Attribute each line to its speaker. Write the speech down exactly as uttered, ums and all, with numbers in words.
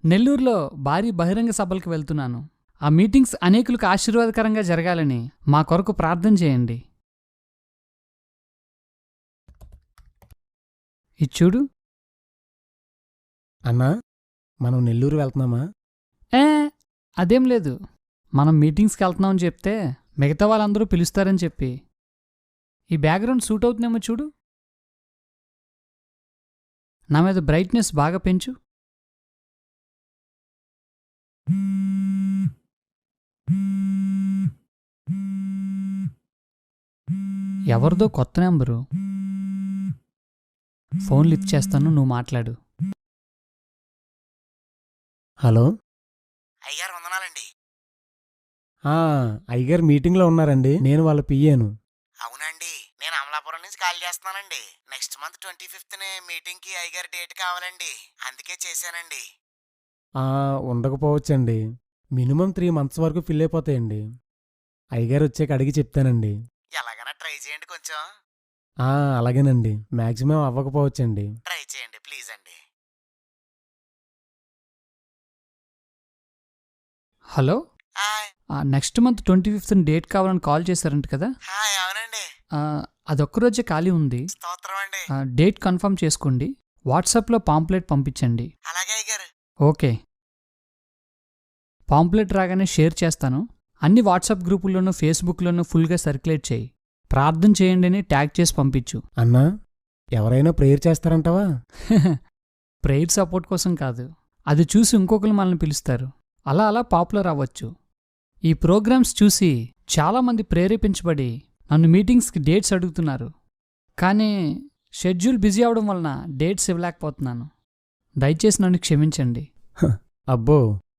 Speaker 1: నెల్లూరులో భారీ బహిరంగ సభలకు వెళ్తున్నాను. ఆ మీటింగ్స్ అనేకులకు ఆశీర్వాదకరంగా జరగాలని మా కొరకు ప్రార్థన చేయండి. ఇది చూడు.
Speaker 2: అన్నా, మనం నెల్లూరు వెళ్తున్నామా?
Speaker 1: ఏ అదేం లేదు. మనం మీటింగ్స్కి వెళ్తున్నామని చెప్తే మిగతా వాళ్ళందరూ పిలుస్తారని చెప్పి. ఈ బ్యాక్గ్రౌండ్ సూట్ అవుతుందేమో చూడు. నా మీద బ్రైట్నెస్ బాగా పెంచు. ఎవరిదో కొత్త నెంబరు. ఫోన్ లిఫ్ట్ చేస్తాను, నువ్వు మాట్లాడు.
Speaker 2: హలో.
Speaker 3: అయ్యగారు వందనాలండి.
Speaker 2: ఆ, అయ్యగారు మీటింగ్లో ఉన్నారండి. నేను వాళ్ళ పియ్యాను.
Speaker 3: అవునండి, నేను అమలాపురం నుంచి కాల్ చేస్తున్నానండి. నెక్స్ట్ మంత్ ట్వంటీ ఫిఫ్త్ నే మీటింగ్ కి అయ్యగారి డేట్ కావాలండి, అందుకే చేశానండి.
Speaker 2: ఆ, ఉండకపోవచ్చండి. మినిమం త్రీ మంత్స్ వరకు ఫిల్ అయిపోతాయండి. అయ్యగారు వచ్చాక అడిగి చెప్తానండి.
Speaker 3: ఎలాగైనా ట్రై చేయండి, కొంచెం
Speaker 2: ఆ, అలాగేనండి. మ్యాక్సిమం అవ్వకపోవచ్చండి.
Speaker 3: ట్రై చేయండి ప్లీజ్ అండి.
Speaker 1: Hello.
Speaker 3: Hi
Speaker 1: next month twenty fifth date కావాలని కాల్ చేశారంట కదా.
Speaker 3: హాయ్ అవునండి.
Speaker 1: ఆ, అదొక్కరోజే ఖాళీ ఉంది.
Speaker 3: స్తోత్రం అండి.
Speaker 1: ఆ, డేట్ కన్ఫర్మ్ చేసుకోండి. వాట్సాప్లో పాంప్లెట్ పంపించండి.
Speaker 3: అలాగే అయ్యగారు.
Speaker 1: ఓకే. పాంప్లెట్ రాగానే షేర్ చేస్తాను. అన్ని వాట్సాప్ గ్రూపుల్లోనూ ఫేస్బుక్లోనూ ఫుల్గా సర్క్యులేట్ చేయి. ప్రార్థన చేయండి అని ట్యాగ్ చేసి పంపించు.
Speaker 2: అన్నా, ఎవరైనా ప్రేయర్ చేస్తారంటావా?
Speaker 1: ప్రేయర్ సపోర్ట్ కోసం కాదు, అది చూసి ఇంకొకరు మనల్ని పిలుస్తారు. అలా అలా పాపులర్ అవ్వచ్చు. ఈ ప్రోగ్రామ్స్ చూసి చాలామంది ప్రేరేపించబడి నన్ను మీటింగ్స్కి డేట్స్ అడుగుతున్నారు. కానీ షెడ్యూల్ బిజీ అవడం వలన డేట్స్ ఇవ్వలేకపోతున్నాను. దయచేసి నన్ను క్షమించండి.
Speaker 2: అబ్బో,